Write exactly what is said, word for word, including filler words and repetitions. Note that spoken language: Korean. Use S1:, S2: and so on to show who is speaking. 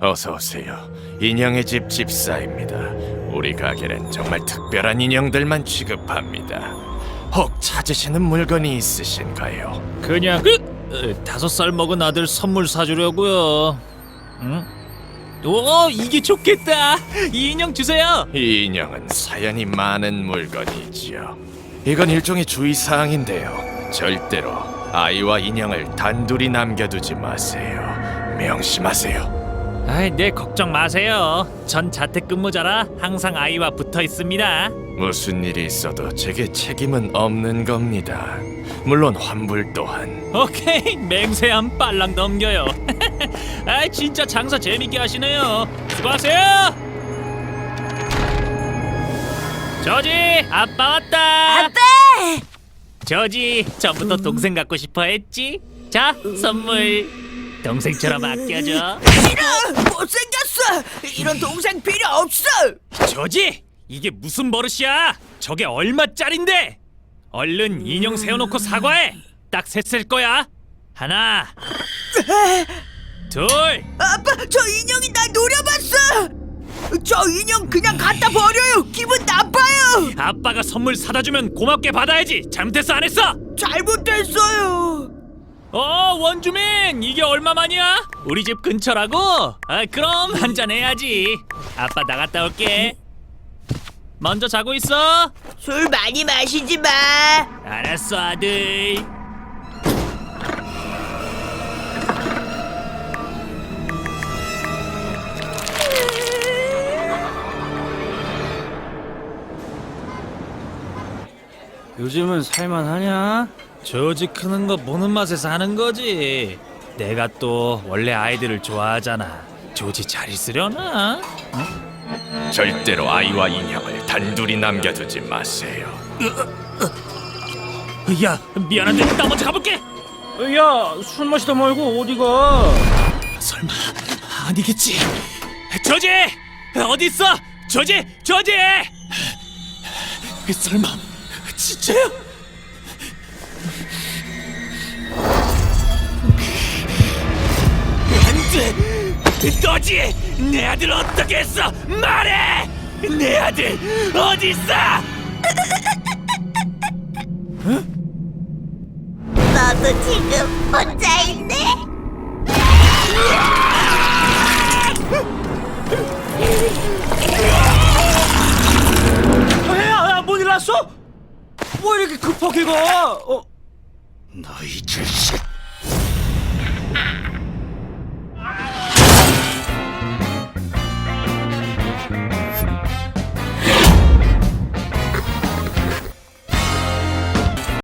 S1: 어서 오세요. 인형의 집 집사입니다. 우리 가게는 정말 특별한 인형들만 취급합니다. 혹 찾으시는 물건이 있으신가요?
S2: 그냥 그 어, 다섯 살 먹은 아들 선물 사주려고요. 응? 오, 이게 좋겠다. 이 인형 주세요.
S1: 이 인형은 사연이 많은 물건이지요. 이건 일종의 주의사항인데요. 절대로 아이와 인형을 단둘이 남겨두지 마세요. 명심하세요.
S2: 아이, 네, 걱정 마세요. 전 자택근무자라 항상 아이와 붙어 있습니다.
S1: 무슨 일이 있어도 제게 책임은 없는 겁니다. 물론 환불 또한.
S2: 오케이, 맹세함 빨랑 넘겨요. 아, 진짜 장사 재밌게 하시네요. 수고하세요. 저지, 아빠 왔다.
S3: 아빠!
S2: 저지, 전부터 동생 갖고 싶어 했지? 자, 선물. 동생처럼 아껴줘.
S3: 싫어! 못생겼어! 이런 동생 필요 없어!
S2: 저지, 이게 무슨 버릇이야? 저게 얼마짜린데? 얼른 인형 세워놓고 사과해. 딱 셋을 거야. 하나, 둘.
S3: 아빠, 저 인형이 날 노려봤어! 저 인형 그냥 갖다 버려요! 기분 나빠요!
S2: 아빠가 선물 사다 주면 고맙게 받아야지. 잘못했어, 안 했어?
S3: 잘못했어요!
S2: 어, 원주민, 이게 얼마만이야? 우리 집 근처라고? 아, 그럼 한잔 해야지. 아빠 나갔다 올게. 먼저 자고 있어.
S3: 술 많이 마시지 마!
S2: 알았어, 아들.
S4: 요즘은 살만하냐?
S2: 저지 크는 거 보는 맛에서 하는 거지. 내가 또 원래 아이들을 좋아하잖아. 조지 잘 있으려나?
S1: 절대로 아이와 인형을 단둘이 남겨두지 마세요.
S2: 야, 미안한데 나 먼저 가볼게.
S4: 야, 술 마시다 말고 어디가?
S2: 설마 아니겠지? 저지 어디 있어? 저지, 저지. 설마 진짜야? 안돼, 너지? 내 아들 어떻게 했어? 말해! 내 아들 어디 있어?
S3: 너도 지금 혼자 있네?
S4: 야, 야, 뭔 일 났어? 뭐 이렇게 급하게 가? 어?
S1: 너희 자식!